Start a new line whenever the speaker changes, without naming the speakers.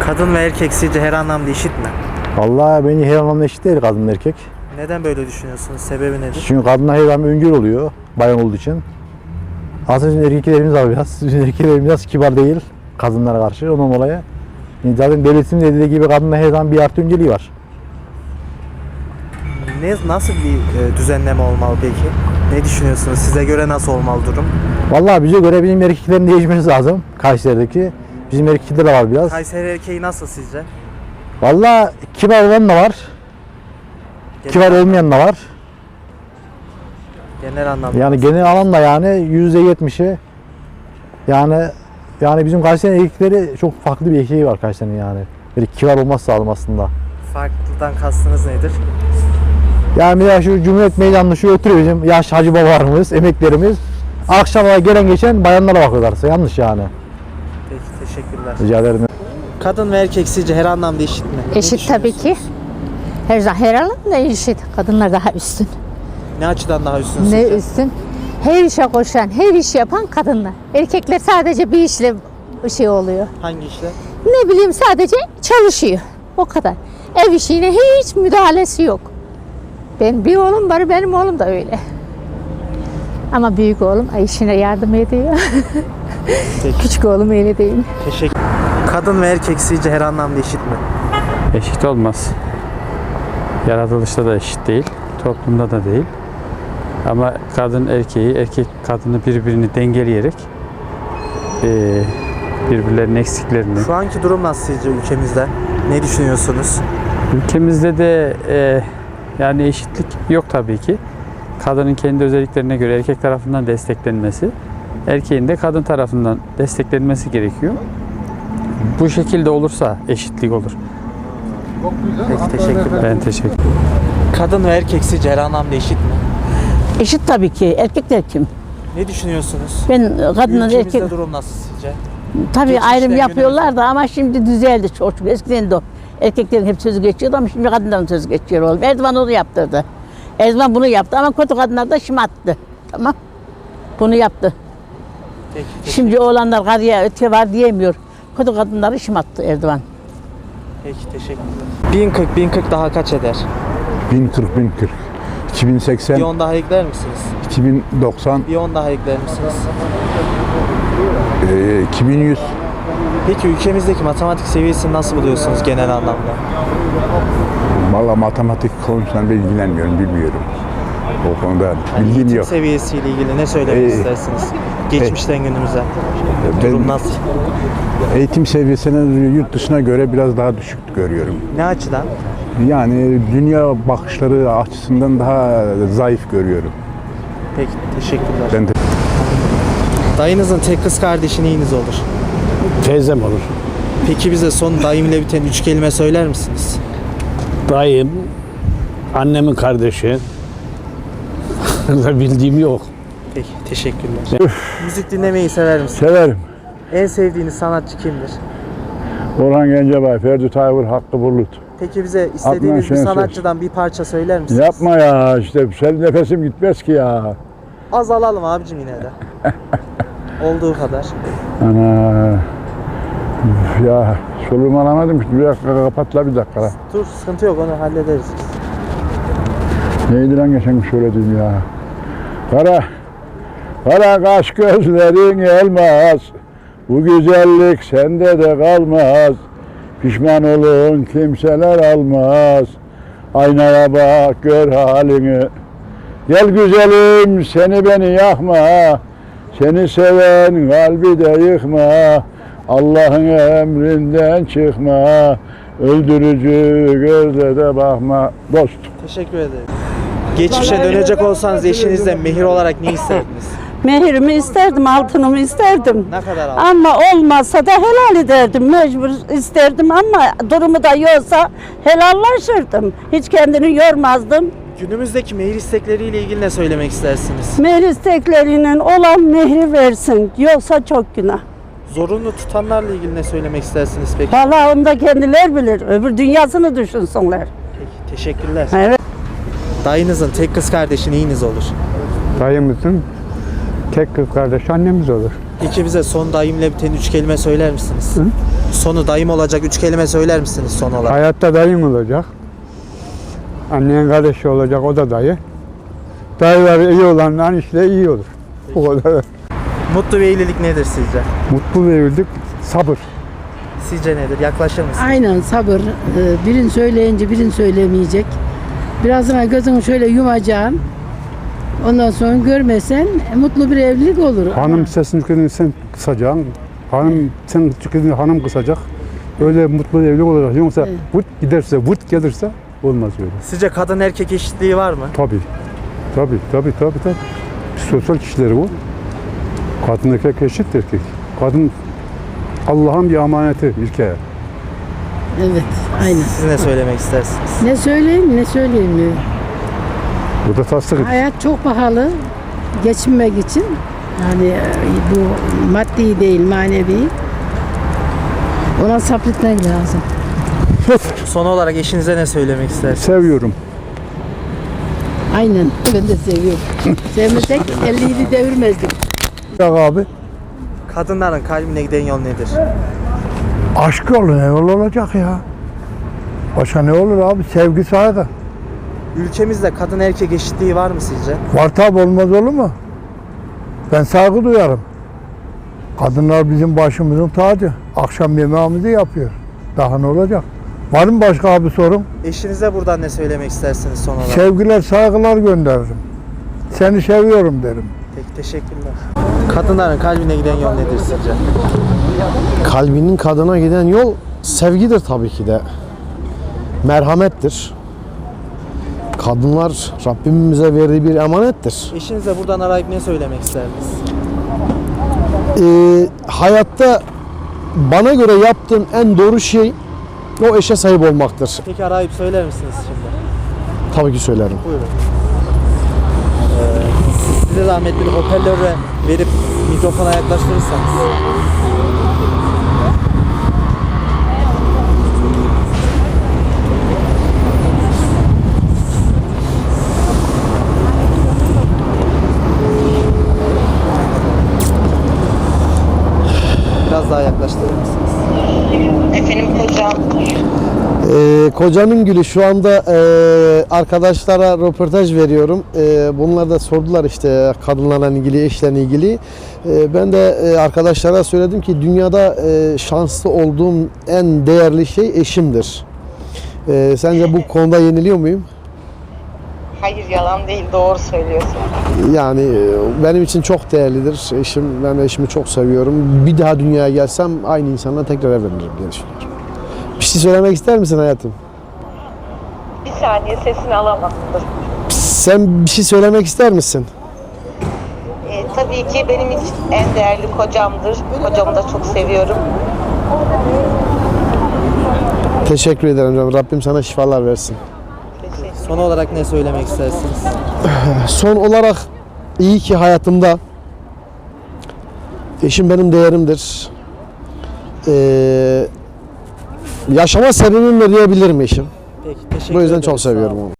Kadın ve erkek sizce her anlamda eşit mi?
Vallahi bence her anlamda eşit değil kadın erkek.
Neden böyle düşünüyorsunuz? Sebebi nedir?
Çünkü kadınlar her zaman öngör oluyor bayan olduğu için. Aslında bizim erkeklerimiz var biraz. Bizim erkeklerimiz biraz kibar değil kadınlara karşı ondan dolayı. Zaten devletin dediği gibi kadınlar her zaman bir artı önceliği var.
Nasıl bir düzenleme olmalı peki? Ne düşünüyorsunuz? Size göre nasıl olmalı durum?
Vallahi bize göre bizim erkeklerin değişmesi lazım Kayseri'deki. Bizim erkekler de var biraz.
Kayseri erkeği nasıl sizce?
Vallahi kibar olan da var. Kibar olmayan da var.
Genel anlamda.
Yani genel alanda yani %70'i yani bizim Kayseri erkekleri çok farklı bir erkeği var Kayseri'nin yani. Böyle kibar olması lazım aslında.
Farklıdan kastınız nedir?
Yani ya şu Cumhuriyet Meydanı'nda şu oturuyor bizim yaş hacı babalarımız, emeklerimiz. Akşama gelen geçen bayanlara bakıyorlarsa yanlış yani.
Peki teşekkürler.
Rica ederim.
Kadın ve erkek sizce her anlamda eşit mi? Ne
Eşit tabii ki.
düşünüyorsunuz?
Her alanda eşit. Kadınlar daha üstün.
Ne açıdan daha üstün
Ne
sizce?
üstün? Her işe koşan, her iş yapan kadınlar. Erkekler sadece bir işle şey oluyor.
Hangi işle?
Ne bileyim sadece çalışıyor. O kadar. Ev işine hiç müdahalesi yok. Bir oğlum var, benim oğlum da öyle. Ama büyük oğlum işine yardım ediyor.
Peki.
Küçük oğlum öyle değil.
Teşekkür. Kadın ve erkek sizce her anlamda eşit mi?
Eşit olmaz. Yaratılışta da eşit değil, toplumda da değil. Ama kadın erkeği, erkek kadını birbirini dengeleyerek birbirlerinin eksiklerini.
Şu anki durum nasıl sizce ülkemizde? Ne düşünüyorsunuz?
Ülkemizde de yani eşitlik yok tabii ki. Kadının kendi özelliklerine göre erkek tarafından desteklenmesi, erkeğin de kadın tarafından desteklenmesi gerekiyor. Bu şekilde olursa eşitlik olur.
Peki teşekkürler.
Ben teşekkür ederim.
Kadın ve erkek sizce her anlamda eşit mi?
Eşit tabii ki. Erkekler kim?
Ne düşünüyorsunuz?
Ben kadınlar
Ülkemizde
erkek
durum nasıl sizce?
tabii
geçmişten
ayrım yapıyorlar da ama şimdi düzeldi çok. Eskiden de o. Erkeklerin hep sözü geçiyordu ama şimdi kadınların sözü geçiyor oğlum. Erdoğan onu yaptırdı. Erdoğan bunu yaptı ama kötü kadınlar da şımarttı. Tamam. Bunu yaptı.
Peki,
Şimdi oğlanlar karıya öte var diyemiyor. Kötü kadınları şımarttı Erdoğan.
Peki teşekkürler. 1040 daha kaç eder?
1040. 2080,
Bir 10 daha ekler misiniz?
2090,
Bir 10 daha ekler misiniz?
2100.
Peki ülkemizdeki matematik seviyesini nasıl buluyorsunuz genel anlamda?
Valla matematik konusunda ben ilgilenmiyorum, bilmiyorum. O konuda bilgim
Eğitim
yok.
seviyesiyle ilgili ne söylemek istersiniz? Geçmişten günümüze. Durum
Ben
nasıl?
eğitim seviyesine yurt dışına göre biraz daha düşük görüyorum.
Ne açıdan?
Yani dünya bakışları açısından daha zayıf görüyorum.
Peki teşekkürler.
Ben de
Dayınızın tek kız kardeşi neyiniz olur?
Teyzem olur.
Peki bize son dayım ile biten 3 kelime söyler misiniz?
Dayım, annemin kardeşi. Bildiğim yok.
Peki teşekkürler. Müzik dinlemeyi sever misiniz?
severim.
En sevdiğiniz sanatçı kimdir?
Orhan Gencebay, Ferdi Tayfur, Hakkı Bulut.
Peki bize istediğiniz bir
Şener
sanatçıdan bir parça söyler misiniz?
Yapma ya, işte senin nefesim gitmez ki ya.
Az alalım abicim yine de. Olduğu kadar.
Ana. Ya soluğumu alamadım ki. Bir dakika kapatla bir dakika.
Dur sıkıntı yok onu hallederiz.
Neydi lan geçen gün söylediğim ya. Kara kaş gözlerin elmas. Bu güzellik sende de kalmaz. Pişman olun kimseler almaz. Aynaya bak gör halini. Gel güzelim seni beni yakma. Seni seven kalbi de yıkma. Allah'ın emrinden çıkma. Öldürücü gözle de bakma. Dost.
Teşekkür ederim. Geçmişe dönecek olsanız eşinizden mehir olarak ne isterdiniz?
Mehirimi isterdim, altınımı isterdim.
Ne kadar aldın?
Ama olmazsa da helal ederdim. Mecbur isterdim ama durumu da yoksa helallaşırdım. Hiç kendini yormazdım.
Günümüzdeki mehir istekleriyle ilgili ne söylemek istersiniz?
Mehir isteklerinin olan mehri versin. Yoksa çok günah.
Zorunlu tutanlarla ilgili ne söylemek istersiniz peki?
Vallahi onu da kendiler bilir. Öbür dünyasını düşünsünler.
Peki teşekkürler.
Evet.
Dayınızın tek kız kardeşi neyiniz olur?
Dayımızın tek kız kardeşi annemiz olur.
Peki bize son dayımla biten 3 kelime söyler misiniz? Sonu dayım olacak 3 kelime söyler misiniz son olarak?
Hayatta dayın olacak. Annen kardeşi olacak, o da dayı. Dayılar iyi olanların işte iyi olur. O kadar.
Mutlu bir evlilik nedir sizce?
Mutlu bir evlilik, sabır.
Sizce nedir? Yaklaşır mısınız?
Aynen sabır. Birini söyleyince birini söylemeyecek. Birazdan gözünü şöyle yumacaksın. Ondan sonra görmesen mutlu bir evlilik olur.
Hanım sesini tüketini sen kısacaksın. Hanım sen tüketini hanım kısacak. Öyle mutlu bir evlilik olacak. Yoksa
Evet.
vut giderse, vut gelirse olmaz öyle.
Sizce kadın erkek eşitliği var mı?
Tabii. Tabii. Sosyal kişileri bu. Kadın erkek eşit erkek. Kadın Allah'ın bir emaneti ülkeye.
Evet, aynen.
Siz ne söylemek istersiniz?
Ne söyleyeyim, ne söyleyeyim.
Bu da tasdik ediyor.
Hayat çok pahalı. Geçinmek için. Yani bu maddi değil, manevi. Ona sabretmek lazım.
Son olarak eşinize ne söylemek istersiniz?
Seviyorum.
Aynen. Ben de seviyorum. Sevmesek 50'yi devirmezdik.
Ya abi,
Kadınların kalbine giden yol nedir?
aşk yolu ne yol olacak ya? Başka ne olur abi? Sevgi, saygı.
Ülkemizde kadın erkek eşitliği var mı sizce?
Var tabi, olmaz olur mu? Ben saygı duyarım. Kadınlar bizim başımızın tacı. Akşam yemeğimizi yapıyor. Daha ne olacak? Var mı başka bir sorun?
Eşinize buradan ne söylemek istersiniz son olarak?
Sevgiler, saygılar gönderirim. Seni seviyorum derim.
Peki teşekkürler. Kadınların kalbine giden yol nedir sizce?
Kalbinin kadına giden yol sevgidir tabii ki de. Merhamettir. Kadınlar Rabbimin bize verdiği bir emanettir.
Eşinize buradan arayıp ne söylemek isterdiniz?
Hayatta bana göre yaptığım en doğru şey o eşe sahip olmaktır.
Peki arayıp söyler misiniz şimdi?
Tabii ki söylerim.
Buyurun. Size zahmet bir hoparlörü verip mikrofona yaklaştırırsanız. Biraz daha yaklaştırır mısınız?
Efendim hocam.
Kocanın gülü şu anda arkadaşlara röportaj veriyorum. Bunlar da sordular işte kadınlarla ilgili, eşlerle ilgili. Ben de arkadaşlara söyledim ki dünyada şanslı olduğum en değerli şey eşimdir. Sence bu konuda yeniliyor muyum?
Hayır yalan değil doğru söylüyorsun.
Yani benim için çok değerlidir eşim. Ben eşimi çok seviyorum. Bir daha dünyaya gelsem aynı insanla tekrar evlenirim diye düşünüyorum. Bir şey söylemek ister misin hayatım?
Bir saniye sesini alamadım.
Sen bir şey söylemek ister misin?
Tabii ki benim için en değerli kocamdır. Kocamı da çok seviyorum.
Teşekkür ederim canım. Rabbim sana şifalar versin.
Son olarak ne söylemek istersiniz?
Son olarak iyi ki hayatımda eşim benim değerimdir. Yaşama sebebim de diyebilirim eşim.
Peki teşekkür
Bu yüzden
ederiz.
çok
Sağ olun.
seviyorum onu.